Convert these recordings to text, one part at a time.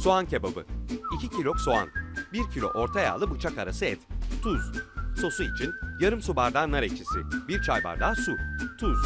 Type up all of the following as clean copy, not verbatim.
Soğan kebabı. 2 kilo soğan, 1 kilo orta yağlı bıçak arası et, tuz. Sosu için yarım su bardağı nar ekşisi, 1 çay bardağı su, tuz.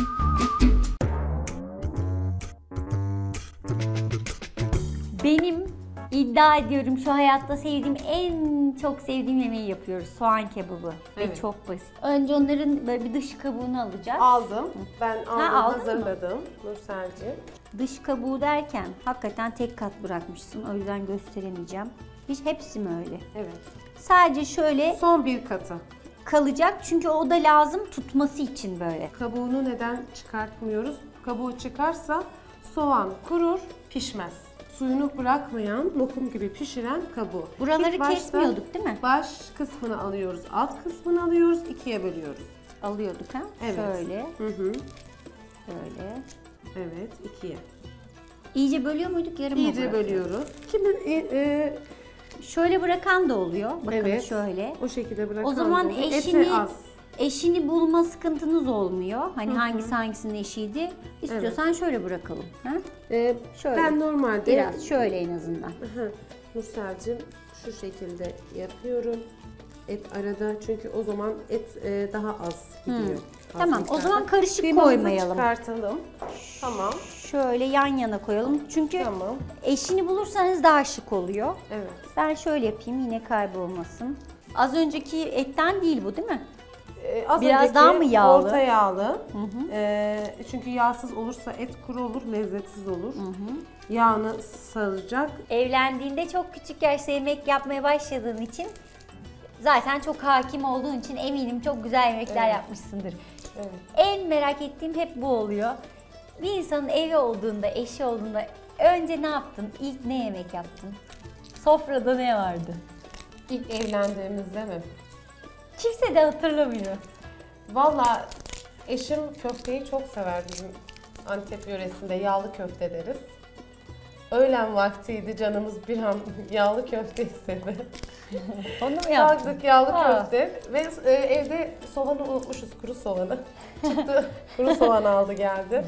Benim iddia ediyorum şu hayatta sevdiğim en çok sevdiğim yemeği yapıyoruz. Soğan kebabı. Evet. Ve çok basit. Önce onların böyle bir dış kabuğunu alacağız. Aldım. Ben aldım, aldın mı? hazırladım Nurselciğim. Dış kabuğu derken hakikaten tek kat bırakmışsın. O yüzden gösteremeyeceğim. Hiç hepsi mi öyle? Evet. Sadece şöyle Son bir katı. kalacak çünkü o da lazım tutması için böyle. Kabuğunu neden çıkartmıyoruz? Kabuğu çıkarsa soğan kurur, pişmez. Suyunu bırakmayan, lokum gibi pişiren kabuğu. Buraları İlk başta kesmiyorduk değil mi? Baş kısmını alıyoruz, alt kısmını alıyoruz, ikiye bölüyoruz. Alıyorduk ha? Evet. Şöyle, Hı. böyle. Evet, ikiye. İyice bölüyor muyduk, yarım mı İyice bırakıyorduk? bölüyoruz. Kimi Şöyle bırakan da oluyor. Bakın evet, şöyle. o şekilde bırakan O zaman da olur. eşini Eti az. eşini bulma sıkıntınız olmuyor. Hani hangisi hangisinin eşiydi? İstiyorsan şöyle bırakalım. Ha? Şöyle. Ben normalde Biraz şöyle en azından. Nursel'cim şu şekilde yapıyorum. Et arada çünkü o zaman et daha az gidiyor. Az Tamam, o miktarda. zaman karışık Kıymamızı koymayalım. çıkartalım. Tamam. Şöyle yan yana koyalım. Çünkü Tamam. eşini bulursanız daha şık oluyor. Evet. Ben şöyle yapayım yine kaybolmasın. Az önceki etten değil bu değil mi? Az Biraz önceki daha mı yağlı? Orta yağlı. Çünkü yağsız olursa et kuru olur, lezzetsiz olur. Yağını saracak. Evlendiğinde çok küçük yaşta yemek yapmaya başladığın için zaten çok hakim olduğun için eminim çok güzel yemekler yapmışsındır. Evet. En merak ettiğim hep bu oluyor. Bir insanın evi olduğunda, eşi olduğunda önce ne yaptın? İlk ne yemek yaptın? Sofrada ne vardı? İlk evlendiğimizde mi? Kimse de hatırlamıyor. Valla eşim köfteyi çok sever bizim Antep yöresinde yağlı köfte deriz. Öğlen vaktiydi canımız bir an yağlı köfte istedi. Onu mu yaptın? Kalktık yağlı Aa. köfte ve evde soğanı unutmuşuz, kuru soğanı. Çıktı kuru soğan aldı geldi.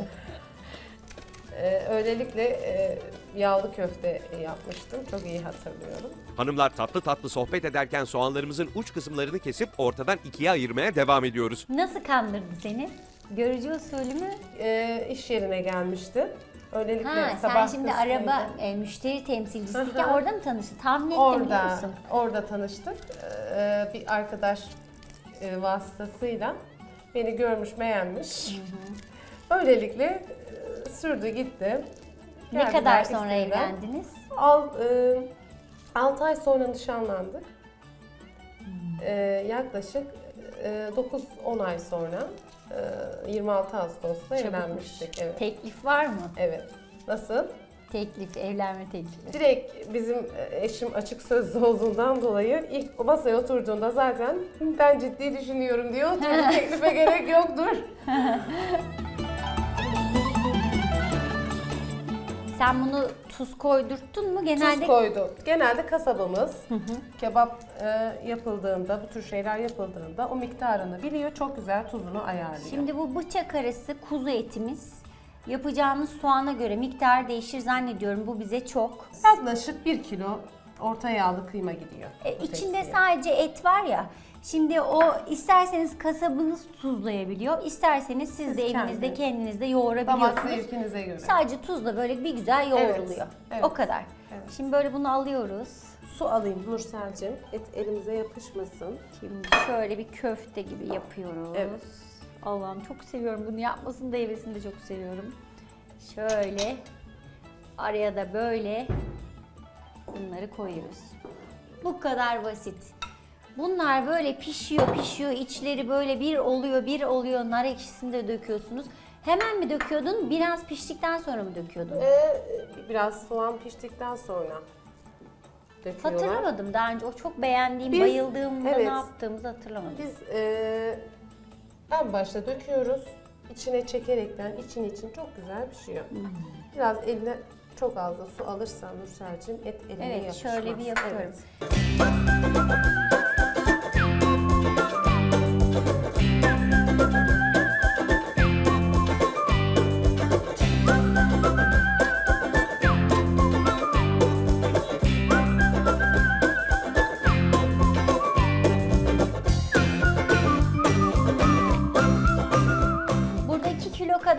Öylelikle yağlı köfte yapmıştım. Çok iyi hatırlıyorum. Hanımlar tatlı tatlı sohbet ederken soğanlarımızın uç kısımlarını kesip ortadan ikiye ayırmaya devam ediyoruz. Nasıl kandırdı seni? Görücü usulü mü? İş yerine gelmişti. Öylelikle Ha, sen sabah şimdi kısmıydı. araba müşteri temsilcisiyken Hı hı. orada mı tanıştın? Tahmin ettim biliyor musun? Orada tanıştık. Bir arkadaş vasıtasıyla beni görmüş, beğenmiş. Böylelikle sürdü gitti. Ne Geldiler, kadar sonra istediler. evlendiniz? 6 ay sonra nişanlandık. Yaklaşık 9-10 ay sonra 26 Ağustos'ta evlenmiştik. Evet. Teklif var mı? Evet. Nasıl? Teklif, evlenme teklifi. Direkt bizim eşim açık sözlü olduğundan dolayı ilk masaya oturduğunda zaten ben ciddi düşünüyorum diyor. Teklife gerek yoktur. Sen bunu tuz koydurttun mu? Genelde Tuz koydu. Genelde kasabımız kebap yapıldığında, bu tür şeyler yapıldığında o miktarını biliyor. Çok güzel tuzunu ayarlıyor. Şimdi bu bıçak arası kuzu etimiz yapacağımız soğana göre miktar değişir zannediyorum. Bu bize çok. Yaklaşık 1 kilo orta yağlı kıyma gidiyor. bu İçinde tepsiye. sadece et var ya. Şimdi o isterseniz kasabınız tuzlayabiliyor, isterseniz siz de evinizde kendiniz de Damak yoğurabiliyorsunuz. zevkinize göre. Sadece tuzla böyle bir güzel yoğruluyor. evet. O kadar. Evet. Şimdi böyle bunu alıyoruz. Su alayım Nursel'cim. Et elimize yapışmasın. Şimdi şöyle bir köfte gibi yapıyoruz. Evet. Allah'ım çok seviyorum bunu yapmasını da yemesini de çok seviyorum. Şöyle araya da böyle bunları koyuyoruz. Bu kadar basit. Bunlar böyle pişiyor, içleri böyle bir oluyor. Nar ekşisini de döküyorsunuz. Hemen mi döküyordun? Biraz piştikten sonra mı döküyordun? Biraz soğan piştikten sonra döküyorlar. Hatırlamadım daha önce. O çok beğendiğim, Biz- bayıldığımda evet. ne yaptığımızı hatırlamadım. Biz en başta döküyoruz. İçine çekerekten için çok güzel pişiyor. Biraz eline çok az da su alırsan Nursel'cim et eline Evet, yapışmaz. şöyle bir yapıyorum. Evet.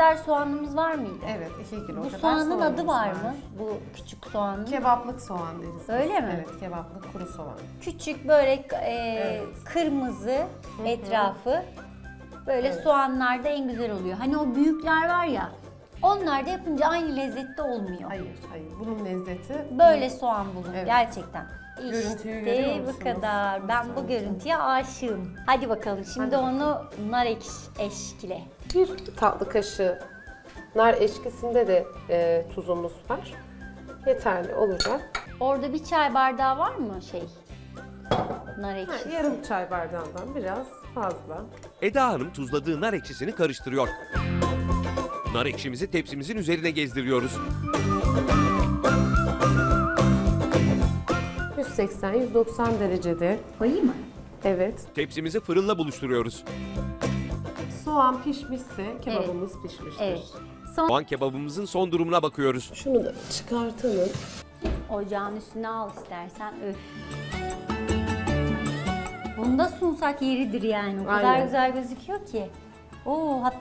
kadar soğanımız var mıydı? Evet, 2 kilo Bu kadar soğanın adı soğanımız var mı? Bu küçük soğanın. Kebaplık soğan deriz biz. Öyle mi? Evet, kebaplık kuru soğan. Küçük böyle Evet. kırmızı etrafı. Böyle soğanlar da en güzel oluyor. Hani o büyükler var ya, onlar da yapınca aynı lezzette olmuyor. Hayır, hayır. Bunun lezzeti Böyle soğan bulun Evet. gerçekten. Görüntüyü görüyor İşte bu musunuz? kadar. Ben bu Sanki. görüntüye aşığım. Hadi bakalım şimdi Hadi onu nar eşkile. bir tatlı kaşığı nar eşkisinde de tuzumuz var. Yeterli olacak. Orada bir çay bardağı var mı nar ekşisi? Yarım çay bardağından biraz fazla. Eda Hanım tuzladığı nar ekşisini karıştırıyor. Nar ekşimizi tepsimizin üzerine gezdiriyoruz. 180-190 derecede. Koyayım mı? Evet. Tepsimizi fırınla buluşturuyoruz. Soğan pişmişse kebabımız pişmiştir. Evet. Son Soğan kebabımızın son durumuna bakıyoruz. Şunu da çıkartalım. ocağın üstüne al istersen. Öf. Bunda sunsak yeridir yani. O kadar Aynen. güzel gözüküyor ki. Oo, hatta